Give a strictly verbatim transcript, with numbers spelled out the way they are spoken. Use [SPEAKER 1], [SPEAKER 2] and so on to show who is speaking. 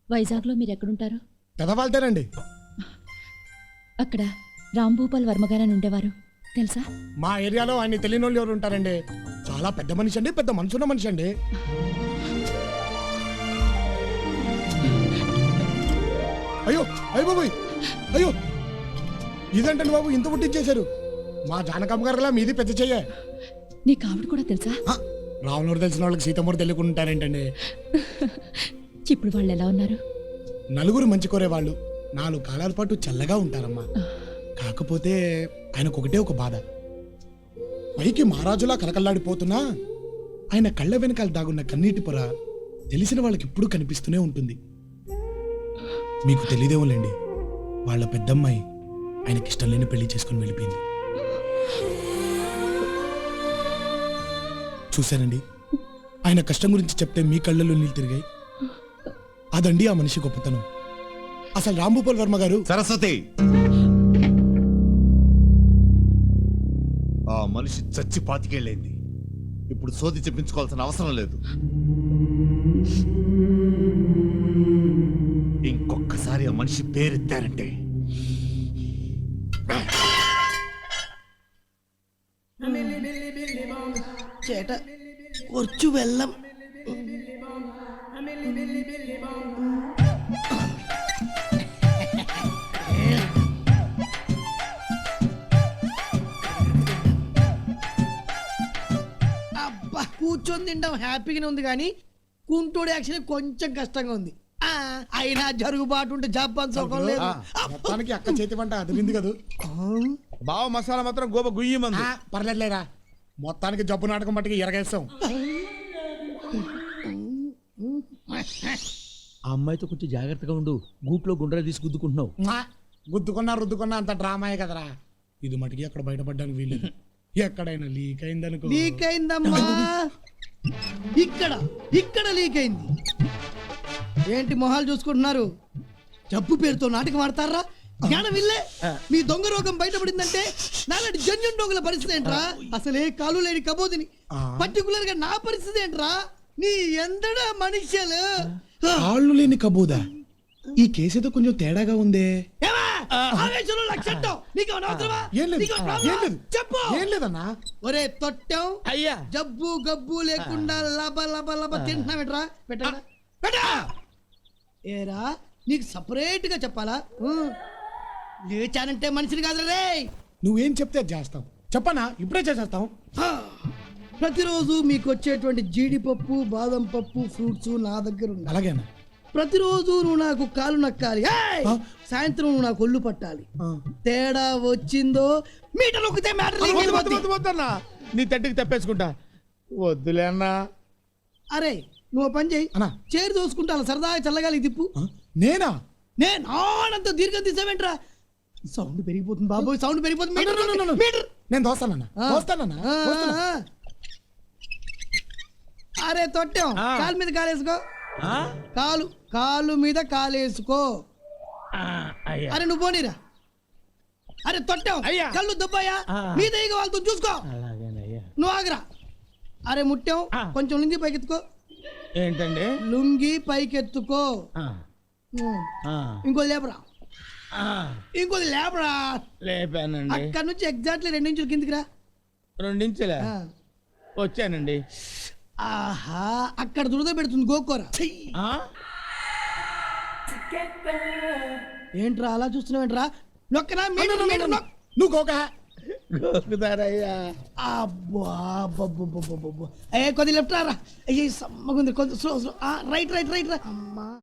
[SPEAKER 1] వైజాగ్లో మీరు ఎక్కడుంటారు?
[SPEAKER 2] పెదవాళ్తేనండి.
[SPEAKER 1] అక్కడ రాంభూపాల్ వర్మగారని ఉండేవారు తెలుసా?
[SPEAKER 2] మా ఏరియాలో ఆయన తెలియని వాళ్ళు ఎవరు ఉంటారండి? చాలా పెద్ద మనిషి అండి, పెద్ద మనసున్న మనిషి అండి. అయ్యో అయ్యో బాబు, అయ్యో ఇదేంటండి బాబు ఇంత పుట్టించేశారు? మా జానకమ్మ గారిలా మీది పెద్ద చెయ్య.
[SPEAKER 1] నీకు ఆవిడ కూడా తెలుసా?
[SPEAKER 2] రావణుడు తెలిసిన వాళ్ళకి సీతమ్మూరు తెలియకుండా ఉంటారేంటండి?
[SPEAKER 1] ఇప్పుడు వాళ్ళు ఎలా ఉన్నారు?
[SPEAKER 2] నలుగురు మంచి కోరేవాళ్ళు నాలుగు కాలాల పాటు చల్లగా ఉంటారమ్మా. కాకపోతే ఆయనకు ఒకటే ఒక బాధ. పైకి మహారాజులా కలకల్లాడిపోతున్నా ఆయన కళ్ళ వెనకాల దాగున్న కన్నీటి పొర తెలిసిన వాళ్ళకి ఎప్పుడూ కనిపిస్తూనే ఉంటుంది. మీకు తెలియదేమోలేండి, వాళ్ళ పెద్దమ్మాయి ఆయనకి ఇష్టం లేని పెళ్లి చేసుకుని వెళ్ళిపోయింది. చూశానండి, ఆయన కష్టం గురించి చెప్తే మీ కళ్ళల్లో నీళ్ళు తిరిగాయి. అదండి ఆ మనిషి గొప్పతనం. అసలు రాంభూపాల్ వర్మ గారు.
[SPEAKER 3] సరస్వతి, ఆ మనిషి చచ్చి పాతికేళ్ళైంది. ఇప్పుడు సోది చెప్పించుకోవాల్సిన అవసరం లేదు. ఇంకొకసారి ఆ మనిషి పేరెత్తారంటే
[SPEAKER 4] ചേട്ടാ കുറച്ചു വെള്ളം. అబ్బా కూర్చొని తింటాం హ్యాపీగానే ఉంది కానీ కుంటోడు యాక్చువల్లీ కొంచెం కష్టంగా ఉంది. ఆ, అయినా జరుగుబాటు ఉంటే జపాన్ సోకం లేదు.
[SPEAKER 2] మొత్తానికి అక్క చేతి వంట అదిరింది కదా.
[SPEAKER 5] బావ మసాలా మాత్రం గోప గుయ్యి మంది.
[SPEAKER 2] పర్లేదులేరా, మొత్తానికి జబ్బు నాటకం మట్టికి ఎరగేస్తాం.
[SPEAKER 6] ఆ అమ్మాయితో కొంచెం జాగ్రత్తగా ఉండు. గూట్లో గుండ్రా తీసి గుద్దుకుంటున్నావు.
[SPEAKER 2] గుద్దుకున్నా రుద్దుకున్నా అంత డ్రామాయే కదరా. ఇది మటుకి అక్కడ బయటపడ్డానికి వీలేదు. ఎక్కడైనా లీక్ అయిందనుకో.
[SPEAKER 4] లీక్ అయిందమ్మా, ఇక్కడ ఇక్కడ లీక్ అయింది. ఏంటి మొహాలు చూసుకుంటున్నారు? జబ్బు పేరుతో నాటకం ఆడతారా? జ్ఞానం ఇల్లే. మీ దొంగ రోగం బయటపడిందంటే నాలాంటి జన్యున్ దొంగల పరిస్థితి ఏంట్రా? అసలే కాలు లేని కబోదిని పర్టికులర్ గా నా పరిస్థితి ఏంట్రా? నీ ఎందడా మనుష్యులు.
[SPEAKER 2] కాళ్ళు లేని కబోదా? ఈ కేసేదో కొంచెం తేడాగా ఉందే.
[SPEAKER 4] చెప్పు.
[SPEAKER 2] ఏం లేదన్నా.
[SPEAKER 4] ఒరే తొట్టం,
[SPEAKER 6] అయ్యా
[SPEAKER 4] జబ్బు గబ్బు లేకుండా లబ లబ లబ తింటున్నావేట్రా? పెట్టా పెట్టా. ఏరా నీకు సపరేట్ గా చెప్పాలా? లేచానంటే మనిషిని కాదు రే.
[SPEAKER 2] నువ్వేం చెప్తే అది చేస్తాం. చెప్పనా? ఇప్పుడే చేసేస్తాం.
[SPEAKER 4] ప్రతిరోజు మీకు వచ్చేటువంటి జీడిపప్పు బాదం పప్పు ఫ్రూట్స్ నా దగ్గర ఉంది.
[SPEAKER 2] అలాగేనా?
[SPEAKER 4] ప్రతిరోజు నువ్వు నాకు కాలు నక్కాలి, సాయంత్రం నువ్వు నాకు ఒళ్ళు పట్టాలి. తేడా వచ్చిందో మీటర్ నొక్కితే మ్యాటర్.
[SPEAKER 5] నీ తట్టికి తప్పేసుకుంటా. వద్దులే అన్నా.
[SPEAKER 4] అరే నువ్వు పని చేయి,
[SPEAKER 2] అన్నా
[SPEAKER 4] చేరు దోసుకుంటా సరదాగా చల్లగాలి తిప్పు.
[SPEAKER 2] నేనా?
[SPEAKER 4] నేను ఆనంతో దీర్ఘం తీసావేంట్రా? సౌండ్ పెరిగిపోతుంది బాబోయ్, సౌండ్ పెరిగిపోతుంది.
[SPEAKER 2] నేను దోస్తానన్నా దోస్తానన్నా.
[SPEAKER 4] అరే తొట్టాం, కాలు మీద కాలేసుకో. కాలు కాలు మీద కాలేసుకో. అరే నువ్వు పోనీరా. అరే తొట్టాం, కళ్ళు దుబ్బాయా మీద వాళ్ళతో చూసుకో. నువ్వు ఆగరా. అరే ముట్టాం, కొంచెం లుంగి పైకెత్తుకో.
[SPEAKER 5] ఏంటండి?
[SPEAKER 4] లుంగి పైకెత్తుకో. ఇంకోది లేపరా, ఇంకోది లేపరా.
[SPEAKER 5] లేపానండి.
[SPEAKER 4] అక్కడ నుంచి ఎగ్జాక్ట్లీ రెండు ఇంచులు కిందికి రా.
[SPEAKER 5] రెండించలే వచ్చానండి.
[SPEAKER 4] ఆహా, అక్కడ దురద పెడుతుంది గోకోరా. ఏంట్రా అలా చూస్తున్నావేంట్రా? నొక్కనా?
[SPEAKER 2] నువ్వు గోక
[SPEAKER 5] గోకుతారయ్యా.
[SPEAKER 4] అబ్బా ఏ కొద్ది లెఫ్ట్ రా. అయ్యి సమ్మగుంది, కొంచెం slow slow. Right right right రా. అమ్మా